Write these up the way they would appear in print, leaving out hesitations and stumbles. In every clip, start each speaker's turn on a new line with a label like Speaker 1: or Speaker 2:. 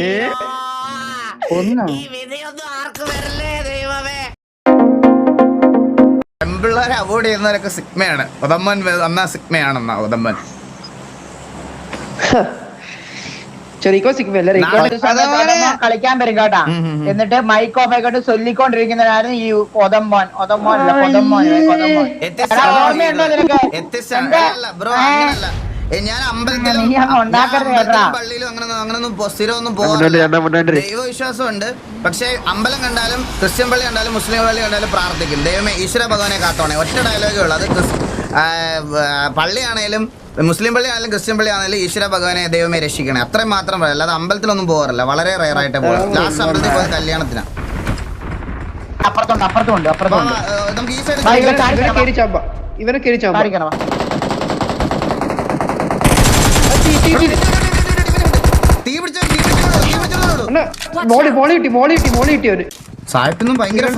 Speaker 1: പെമ്പിള്ളേരെ avoid ചെയ്യുന്നവരൊക്കെ സിഗ്മയാണ്. ഒതമ്മൻ വന്നാ സിഗ്മയാണെന്നാ ഒതമ്മൻ.
Speaker 2: കളിക്കാൻ വരും കേട്ടാ. എന്നിട്ട് മൈക്ക് ഓഫ് ആയിക്കോട്ട് ചൊല്ലിക്കൊണ്ടിരിക്കുന്നവരാണ് ഈ കൊതമ്മോൻ.
Speaker 1: ഞാൻ അമ്പലത്തിലും പള്ളിയിലും അങ്ങനൊന്നും സ്ഥിരമൊന്നും പോകാറില്ല. ദൈവവിശ്വാസമുണ്ട്. പക്ഷെ അമ്പലം കണ്ടാലും ക്രിസ്ത്യൻ പള്ളി കണ്ടാലും മുസ്ലിം പള്ളി കണ്ടാലും പ്രാർത്ഥിക്കും, ദൈവമേ ഈശ്വര ഭഗവാനെ കാത്തോണേ. ഒറ്റ ഡയലോഗേ ഉള്ളൂ. അത് പള്ളിയാണേലും മുസ്ലിം പള്ളി ആണെങ്കിലും ക്രിസ്ത്യൻ പള്ളി ആണെങ്കിലും ഈശ്വര ഭഗവാനെ ദൈവമേ രക്ഷിക്കണേ, അത്രയും മാത്രം പറയാം. അല്ലാതെ അമ്പലത്തിലൊന്നും പോകാറില്ല, വളരെ റയർ ആയിട്ട് പോകാം. ലാസ്റ്റ് അമ്പലത്തിൽ പോയത് കല്യാണത്തിനാണ്. നമുക്ക് ഈ സൈഡ് സായിപ്പൊന്നും ഭയങ്കര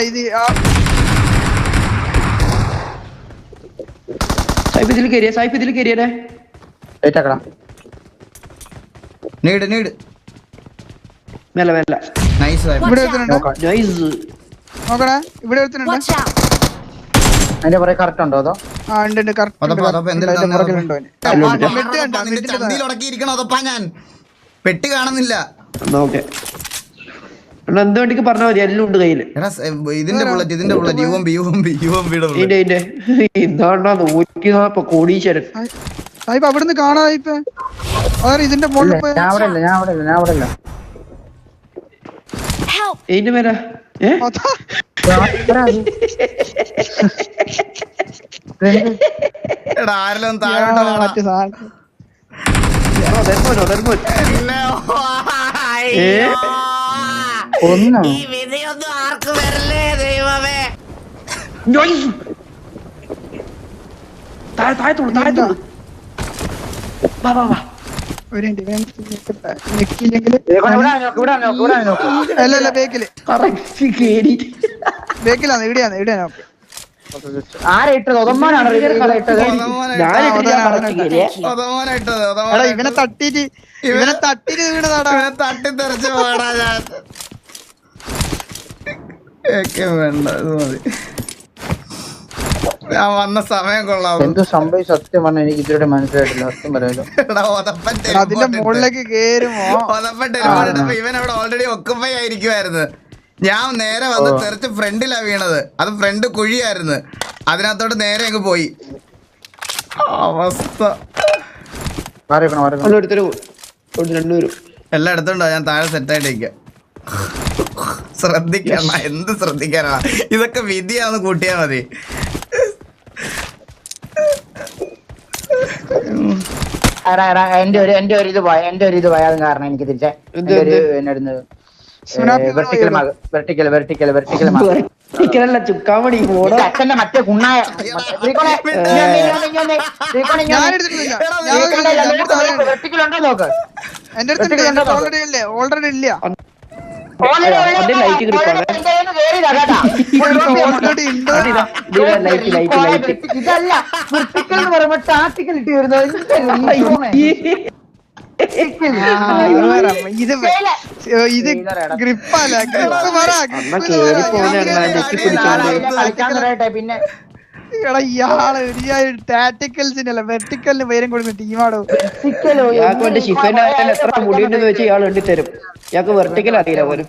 Speaker 1: കറക്റ്റ് ഉണ്ടോ? അതോ ഞാൻ പെട്ടി കാണുന്നില്ല.
Speaker 3: എന്തുകൊണ്ടിക്ക് പറഞ്ഞാൽ മതി, എല്ലാം ഉണ്ട് കയ്യില്.
Speaker 1: ഇതിന്റെ ബുള്ളറ്റ്
Speaker 3: ഇതാണ്ടാ 140 കോടീശ്വരൻ.
Speaker 4: അവിടുന്ന് കാണാതെ ഇതിന്റെ മുകളിൽ
Speaker 3: ഇതിന്റെ മേല
Speaker 1: ആരെല്ലാം താഴോട്ട് ആർക്ക് വരല്ലേ ദൈവമേ.
Speaker 4: ഇവനെ തട്ടിട്ട് വീണതാടാ.
Speaker 1: തട്ടിത്തെറിച്ച് പോടാ. ഞാൻ വേണ്ട, ഇത് മതി. ഞാൻ വന്ന സമയം കൊള്ളാം.
Speaker 2: എന്ത് സംഭവം സത്യം പറഞ്ഞാൽ എനിക്ക് ഇതുവരെ മനസ്സിലായിട്ടില്ല. സത്യം പറയാലോ.
Speaker 4: അതിന്റെ മുകളിലേക്ക് കേറുമോ?
Speaker 1: ഇവൻ അവിടെ ഓൾറെഡി ഒക്കുപ്പൈ ആയിരിക്കുമായിരുന്നു. ഞാൻ നേരെ വന്ന് തെറിച്ച് ഫ്രണ്ടിലാ വീണത്. അത് ഫ്രണ്ട് കുഴിയായിരുന്നു. അതിനകത്തോട്ട് നേരെ അങ്ങ് പോയി. അവസ്ഥ എല്ലാം എടുത്തോണ്ടോ? ഞാൻ താഴെ സെറ്റായിട്ടേക്ക. ശ്രദ്ധിക്കണ, എന്ത് ശ്രദ്ധിക്കാനാ? ഇതൊക്കെ വിധിയാന്ന് കൂട്ടിയാ മതി.
Speaker 2: എന്റെ ഒരു ഇത് പോയത് കാരണം എനിക്ക് തിരിച്ചേ
Speaker 3: ചുക്കാമണി
Speaker 2: അച്ഛന്റെ മറ്റേ കുണ്ണായ വെർട്ടിക്കലുണ്ടോ നോക്ക്.
Speaker 4: എന്റെ അടുത്ത് ഓൾറെഡി ഇല്ല.
Speaker 2: ഇതല്ല വെർട്ടിക്കൽ എന്ന് പറയുമ്പോ ടാക്ടിക്കൽ ഇട്ട് വരുന്നത്.
Speaker 4: ഇത് ഗ്രിപ്പല്ല,
Speaker 2: പിന്നെ
Speaker 4: ഇയാള് ടാറ്റിക്കൽസിന്റെ അല്ല വെർട്ടിക്കലിന് പേരും കൊടുക്കുന്ന ടീമാണോ?
Speaker 3: എത്ര മുടിയുണ്ടെന്ന് വെച്ച് ഇയാൾ എണ്ണി തരും. ഇയാൾക്ക് വെർട്ടിക്കൽ അറിയില്ല പോലും.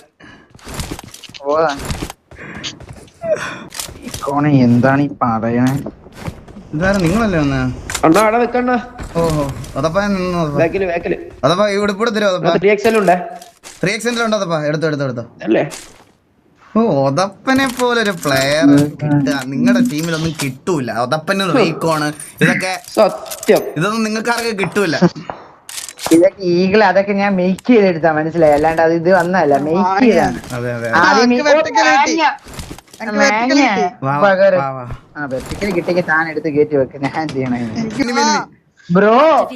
Speaker 2: എന്താണ് ഈ പറയണേ?
Speaker 1: നിങ്ങളല്ലേ വന്നേ?
Speaker 3: അണ്ണാ അവിടെ വെക്കണ്ണ.
Speaker 1: ഓഹോ, അതപ്പാ അതപ്പാ ഇവിടെ ഇവിടെ തരുമോ?
Speaker 3: 3XL ഉണ്ട്.
Speaker 1: 3XL ഉണ്ടോ? അതപ്പാ എടുത്തോ
Speaker 3: അല്ലേ?
Speaker 1: ഓ, ഒതപ്പനെ പോലൊരു പ്ലെയർ നിങ്ങളുടെ ടീമിലൊന്നും കിട്ടൂല. ഒതപ്പന് റീക്കോണ് ഇതൊക്കെ
Speaker 3: സത്യം.
Speaker 1: ഇതൊന്നും നിങ്ങൾക്ക് ആർക്കും കിട്ടൂല.
Speaker 2: ഇതൊക്കെ ഈഗിൾ അതൊക്കെ ഞാൻ മേക്ക് ചെയ്തെടുത്താ, മനസ്സിലായി. അല്ലാണ്ട് അത് ഇത് വന്നല്ല, മേക്ക് ചെയ്താണ്. വെർട്ടിക്കൽ കിട്ടിയ താൻ എടുത്ത് കയറ്റി വെക്ക. ഞാൻ ചെയ്യണേ bro.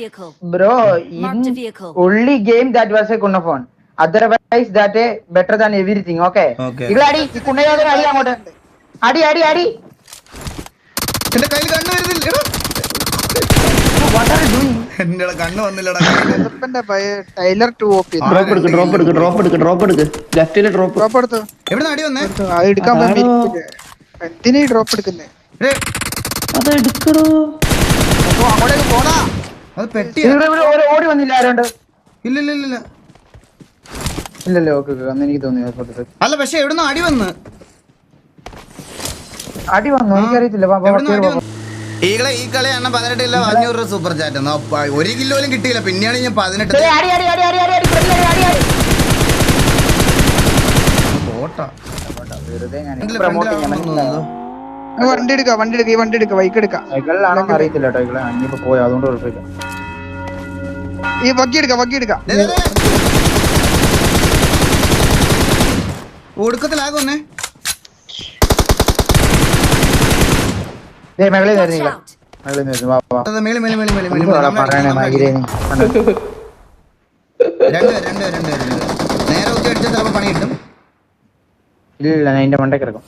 Speaker 2: only game that was a കുണ്ണഫോൺ. otherwise that a better than everything. okay ഇങ്ങളടി കുണ്ണയോടെ അടി അങ്ങോട്ട് അടി
Speaker 1: എന്റെ കയ്യിൽ കണ്ണു വരുന്നില്ല.
Speaker 2: what are you doing?
Speaker 1: എന്റെ കണ്ണ് വന്നില്ലടാ.
Speaker 4: Taylor 2 OP.
Speaker 3: ഡ്രോപ്പ് എടുക്ക് ലെഫ്റ്റിലെ ഡ്രോപ്പ്
Speaker 4: ഡ്രോപ്പ് എടുത്തു.
Speaker 1: എവിടെ അടി വന്നേ?
Speaker 4: അത് എടുക്കാൻ എന്തിനാ ഈ ഡ്രോപ്പ് എടുക്കുന്നേ?
Speaker 3: അത് എടുക്കണോ?
Speaker 4: അങ്ങോട്ടേക്ക് പോടാ.
Speaker 1: അത് പെട്ടിയാ.
Speaker 2: ഓടി വന്നില്ല ആരോണ്ട്?
Speaker 1: ഇല്ല ഇല്ല ഇല്ല
Speaker 2: ഇല്ലല്ലോ. ഓക്കെ അന്ന് എനിക്ക് തോന്നി
Speaker 1: അല്ല, പക്ഷെ എവിടുന്ന് അടി വന്ന്
Speaker 2: അടി വന്നു എനിക്കറിയത്തില്ല.
Speaker 1: ഈകളെ ഈ കളി എണ്ണ 18 കിലോ 500 രൂപ സൂപ്പർ ചാറ്റ്. 1 കിലോയിലും കിട്ടിയില്ല. പിന്നെയാണ് ഞാൻ 18. ബോട്ടാ
Speaker 4: വണ്ടി എടുക്ക ബൈക്ക് എടുക്കാം.
Speaker 2: അറിയത്തില്ല കേട്ടോ ഇങ്ങളെ അഞ്ഞിപ്പോ പോയി അതുകൊണ്ട് കുഴപ്പമില്ല.
Speaker 4: ഈ ബഗ്ഗി എടുക്കാം.
Speaker 1: ഒടുക്കത്തിലാകുന്നേ.
Speaker 2: മേളി
Speaker 1: രണ്ട് നേരെ ഒത്തി അടിച്ചാൽ ചിലപ്പോ പണി കിട്ടും.
Speaker 2: ഇല്ല ഞാൻ എന്റെ മണ്ടേ കിടക്കും.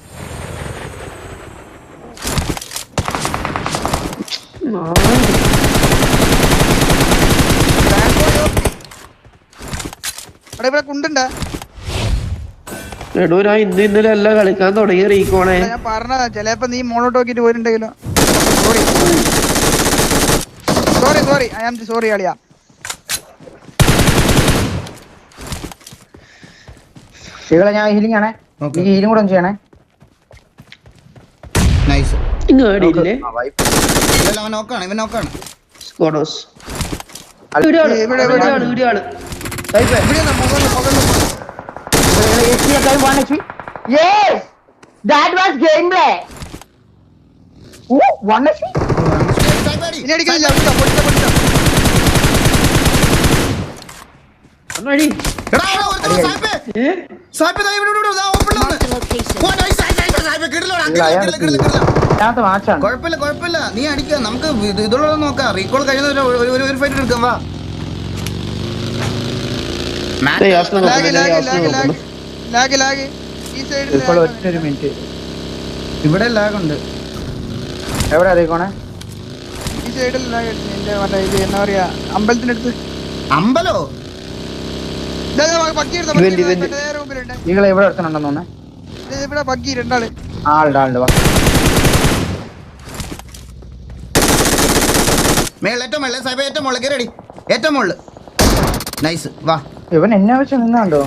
Speaker 4: ഇവിടെ കുണ്ടുണ്ടാ?
Speaker 3: എടോ ഞാൻ ഇന്നലെ എല്ലാം കളിക്കാൻ തുടങ്ങി റീക്കോണേ.
Speaker 4: ഞാൻ പറഞ്ഞതാ ചിലപ്പോ നീ മോളോട്ട് നോക്കിട്ട് പോയിട്ടുണ്ടെങ്കിലോ. സോറി ഐ ആം സോറി അളിയാ.
Speaker 2: ശരികളെ ഞാൻ ഹീലിംഗ് ആണേ. ഈ ഹീലിംഗ് കൂടെ ഒന്ന് ചെയ്യണേ.
Speaker 1: നൈസ്.
Speaker 3: ഇങ്ങോട്ടില്ലേ
Speaker 1: അവൻ നോക്കാണ്, ഇവൻ നോക്കാണ്.
Speaker 3: സ്കോഡോസ്
Speaker 2: Yes, that was gameplay. Oh, 1 HP.
Speaker 4: ഇനി അടിക്കുന്നില്ല.
Speaker 3: ഒന്നടി
Speaker 1: കുഴപ്പമില്ല, നീ അടിക്കാം. നമുക്ക് ഇതുള്ള നോക്കാം. റീകോൾ കഴിയുന്ന ഒരു ഫൈറ്റ് എടുക്കാം. വാ.
Speaker 2: ഒരു മിനിറ്റ്
Speaker 1: ഇവിടെ ലാഗുണ്ട്.
Speaker 2: എവിടെ അറിയിക്കോണേ?
Speaker 4: ഈ സൈഡിൽ ഇത് എന്നാ പറയാ അമ്പലത്തിനടുത്ത്.
Speaker 1: അമ്പലോ?
Speaker 2: നിങ്ങളെ എവിടെ എടുത്തുണ്ടെന്ന് തോന്നേ?
Speaker 4: ഇവിടെ ബഗ്ഗി രണ്ടാള്.
Speaker 2: ആളുണ്ട് വാ.
Speaker 1: ഏറ്റവും മുകളിൽ സാഹിബ്, ഏറ്റവും മുകളിൽ കയറി. ഏറ്റവും മുകളിൽ. നൈസ്. വാ.
Speaker 2: ഇവൻ എന്നെ വെച്ച് നിന്നാണ്ടോ?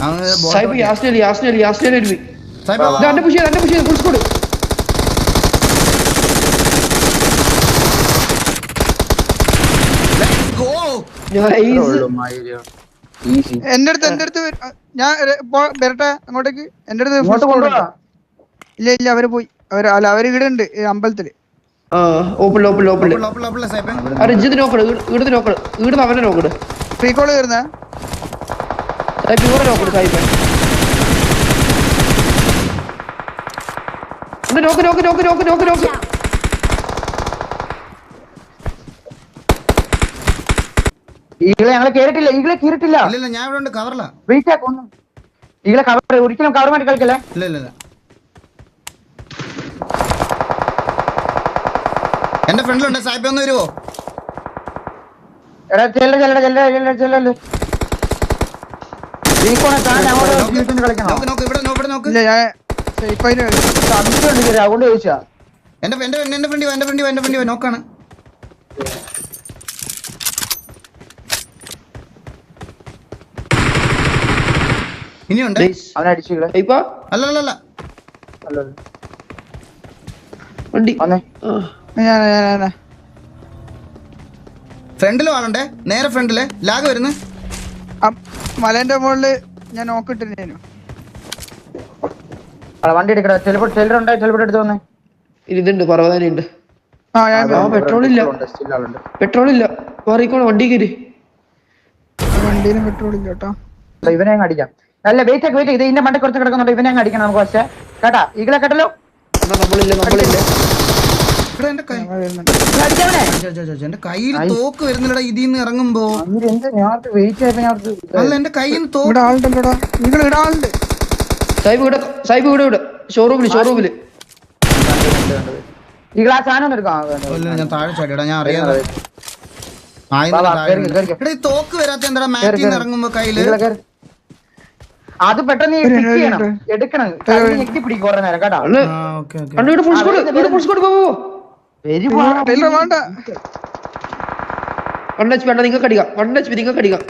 Speaker 4: എന്റെ അടുത്ത് ഞാൻ വരട്ടെ അങ്ങോട്ടേക്ക്. എന്റെ അടുത്ത് ഇല്ല അവര് പോയി. അവര് ഇവിടെ ഉണ്ട് അമ്പലത്തില്. റീകോള് കയറുന്ന
Speaker 2: ഈകളെ ഞങ്ങളെ കേറിട്ടില്ല.
Speaker 1: ഇല്ല, ഞാൻ ഇവിടെ ഉണ്ട്. കവറില്ല.
Speaker 2: വെയിറ്റ് ആക്കൊന്നും. ഈകളെ കവർ ഒരിക്കലും കവർ മാറ്റി കളിക്കല്ലേ.
Speaker 1: ഇല്ല. എന്റെ ഫ്രണ്ടിലുണ്ട്. സാഹിബ് ഒന്ന് വരുവോ?
Speaker 2: എടാ ചെല്ല അതുകൊണ്ട് ചോദിച്ചാ.
Speaker 1: എന്റെ ഫ്രണ്ടി നോക്കാണ്. ഇനിയുണ്ട്.
Speaker 2: അവനെ അടിച്ചു.
Speaker 1: അല്ല
Speaker 3: വണ്ടി
Speaker 1: ഫ്രണ്ടിലും ആളുണ്ടേ. നേരെ ഫ്രണ്ടില് ലാഗ് വരുന്നു.
Speaker 4: മലേന്റെ മുകളില് ഞാൻ നോക്കിട്ടിരുന്നു.
Speaker 2: വണ്ടി എടുക്കടാ. ചെല്ലുണ്ട് എടുത്ത് വന്നേ.
Speaker 3: ഇതുണ്ട് പർവ്വതാനുണ്ട്. പെട്രോളില്ല മാറിക്കോണം. വണ്ടി കയറി.
Speaker 4: വണ്ടിയിലും പെട്രോൾ ഇല്ല കേട്ടോ.
Speaker 2: ഇവനെ അങ്ങ് അടിക്കാം. അല്ല വെയിറ്റ് ഇത് ഇതിന്റെ മണ്ടേ കുറച്ച് കിടക്കുന്നുണ്ട്. ഇവനെ അങ്ങ് അടിക്കണം നമുക്ക്. പക്ഷേ കേട്ടാ ഈകളെ കേട്ടല്ലോ.
Speaker 3: നമ്മളില്ല
Speaker 1: എന്റെ കയ്യിൽ തോക്ക് വരുന്നില്ലടാ ഇതിന്ന് ഇറങ്ങുമ്പോ. അല്ല എന്റെ കയ്യിൽ നിന്ന് തോക്ക്.
Speaker 4: ആളുണ്ടല്ലോടാ. നിങ്ങൾ ഇവിടെ ആളുണ്ട്.
Speaker 3: സാഹിബ് ഇവിടെ ഷോറൂമില്
Speaker 2: ഈ ഗ്ലാസ് സാധനം എടുക്കാം.
Speaker 1: ഞാൻ താഴെ ചാടിയടാ. ഞാൻ അറിയാതെ എടാ ഈ തോക്ക് വരാത്ത എന്താ മാറ്റിന്ന് ഇറങ്ങുമ്പോ കയ്യില്
Speaker 2: അത് പെട്ടെന്ന് നീ pick ചെയ്യണം, എടുക്കണം, കയ്യിൽ ഞെക്കി പിടിക്കും കുറെ നേരം കേട്ടോ.
Speaker 3: നിങ്ങൾക്ക് അടിക്കാം.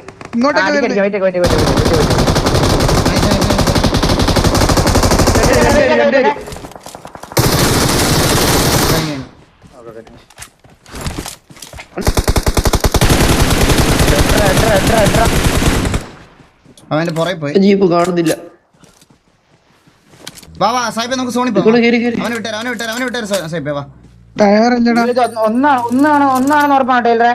Speaker 1: അവന്റെ പുറകെ പോയി.
Speaker 3: ജീപ്പ് കാണുന്നില്ല.
Speaker 1: വാ വാ സായിപ്പേ നമുക്ക് സോണി പോവാം. അവനെ വിട്ടാര് സായിപ്പേ വാ.
Speaker 2: ഒന്നാണെന്ന് ഉറപ്പാണ് ടൈലറെ.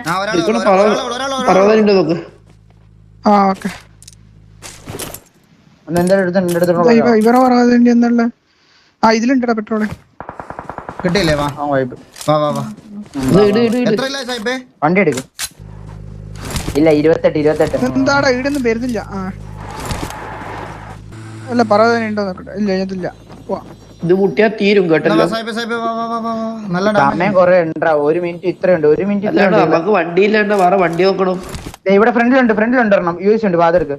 Speaker 4: ഇവരെ പറയാതെ എന്നുള്ള ഇതിലുണ്ടടാ പെട്രോള്
Speaker 1: കിട്ടിയില്ലേ? വാ വാ വാ വാ. എത്ര ഇല്ല സായിപ്പേ?
Speaker 2: വണ്ടി എടുക്കും. ഇല്ല 28.
Speaker 4: എന്താടാ ഈടൊന്നും വരുന്നില്ല. അല്ല പറയാതെ ഉണ്ടോ നോക്കട്ടെ. ഇല്ല ഇതില്ല.
Speaker 3: ഇത് മുട്ടിയാ തീരും കേട്ടല്ലോ.
Speaker 2: സമയം കൊറേ ഉണ്ടാ. 1 മിനിറ്റ് ഇത്രയുണ്ട്. 1 മിനിറ്റ്
Speaker 3: നമുക്ക് വണ്ടിയില്ലാണ്ട് വേറെ വണ്ടി നോക്കണം.
Speaker 2: ഇവിടെ ഫ്രണ്ടിലുണ്ട് ഒരെണ്ണം. യൂസ് ഉണ്ട്. വാതെടുക്ക്.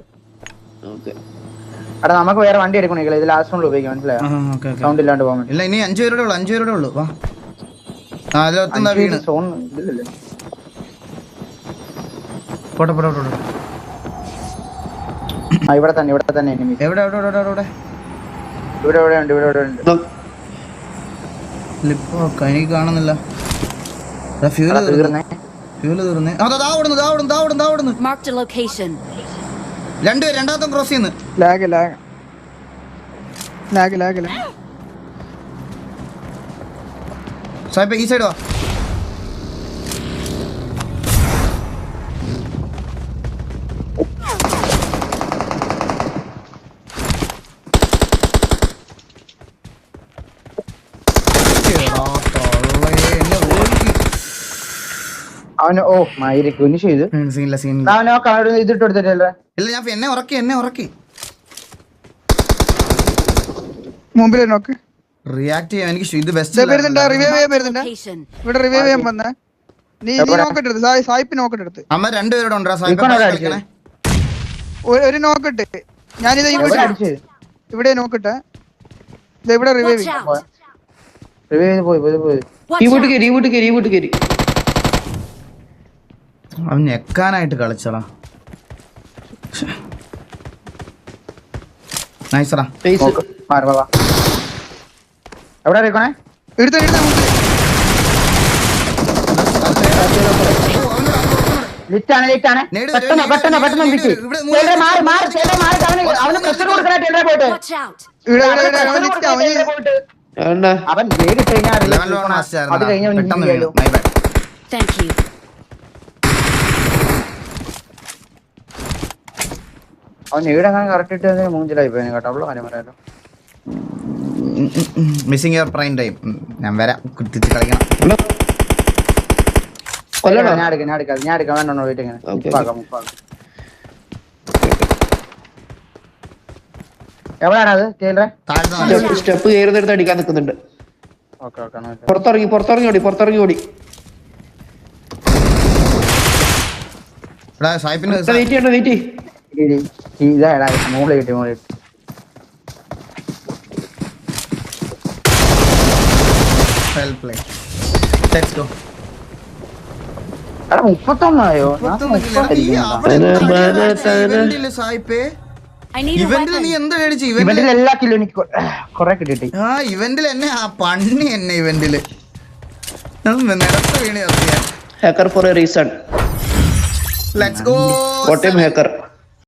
Speaker 2: എടാ നമുക്ക് വേറെ വണ്ടി എടുക്കണേ. ഇത് ലാസ്റ്റ് റൗണ്ടിൽ ഉപയോഗിക്കാം. മനസ്സിലായോ? സൗണ്ട് ഇല്ലാണ്ട് പോകാൻ
Speaker 1: ഇല്ല. ഇനി 5 പേരുടെ ഉള്ളൂ. വാ. വീണ്
Speaker 2: സോൺ ഇതില്ലല്ലേ.
Speaker 1: പോട്ടെ.
Speaker 2: ഇവിടെ തന്നെ എനിമി.
Speaker 1: എവിടെ
Speaker 2: ഉണ്ട്.
Speaker 1: എനിക്ക് കാണുന്നില്ല. ഫ്യൂല് തീർന്നേ. രണ്ടാമത്തെ ക്രോസ് ചെയ്യുന്നു.
Speaker 4: ലാഗ്
Speaker 1: സായിപ്പേ ഈ സൈഡ് വാ.
Speaker 2: അവന് മയില് കുനിഷ് ചെയ്ത് ഇതിട്ട് കൊടുത്തിട്ടല്ലേ.
Speaker 1: ഇല്ല ഞാൻ എന്നെ ഉറക്കി
Speaker 4: മുമ്പിൽ നോക്ക്.
Speaker 1: റിയാക്ട് ചെയ്യാൻ എനിക്ക് ഇത് ബെസ്റ്റ്.
Speaker 4: ഇവിടെ റിവൈവ് ചെയ്യാൻ വന്നേ. നീ നോക്കട്ടെ. സായിപ്പ് നോക്കട്ടെ.
Speaker 1: അമ്മ രണ്ടുപേരോട് ഉണ്ടാ.
Speaker 4: ഒരു നോക്കട്ടെ. ഞാനിത് ഇവിടെ നോക്കട്ടെ. ഇവിടെ റിവൈവ്
Speaker 2: പോയി.
Speaker 1: അവൻ ഞെക്കാനായിട്ട് കളിച്ചടാ. നൈസറാ.
Speaker 2: എവിടെ അറിയിക്കണേ? ലിറ്റാണ്. പെട്ടെന്ന് അവന് പ്രഷർ കൊടുക്കണേ. പോയിട്ട് അവൻ വേഗം അത് കഴിഞ്ഞ അവൻ ഈടങ്ങനെ കറക്റ്റ് ഇട്ട് മൂഞ്ചിലായി പോയി കേട്ടോ. അവള് കാര്യം പറയാലോ.
Speaker 1: Missing your prime time. ഞാൻ വരാം. കുത്തിച്ച് കളിക്കണം.
Speaker 2: ഞാൻ എടുക്കാം. വേണ്ടോ വീട്ടിൽ ഇങ്ങനെ എവിടെയാണത്?
Speaker 3: സ്റ്റെപ്പ് കയറുന്നിടത്ത് അടിക്കാൻ നിൽക്കുന്നുണ്ട്. പുറത്തിറങ്ങി ഓടി. വെയിറ്റ്
Speaker 2: ഇതാ മുകളിൽ കിട്ടി. എടാ 31
Speaker 1: ഇവന്റിൽ നീ എന്താ കഴിച്ചു?
Speaker 2: ഇവന്റിൽ എല്ലാ കിലോ എനിക്ക് കൊറേ കിട്ടി.
Speaker 1: ഇവന്റിൽ എന്നെ പണ്ണി ഇവന്റില് നിലത്ത് വീണ്
Speaker 3: hacker for a reason.
Speaker 1: Let's go.
Speaker 3: Hacker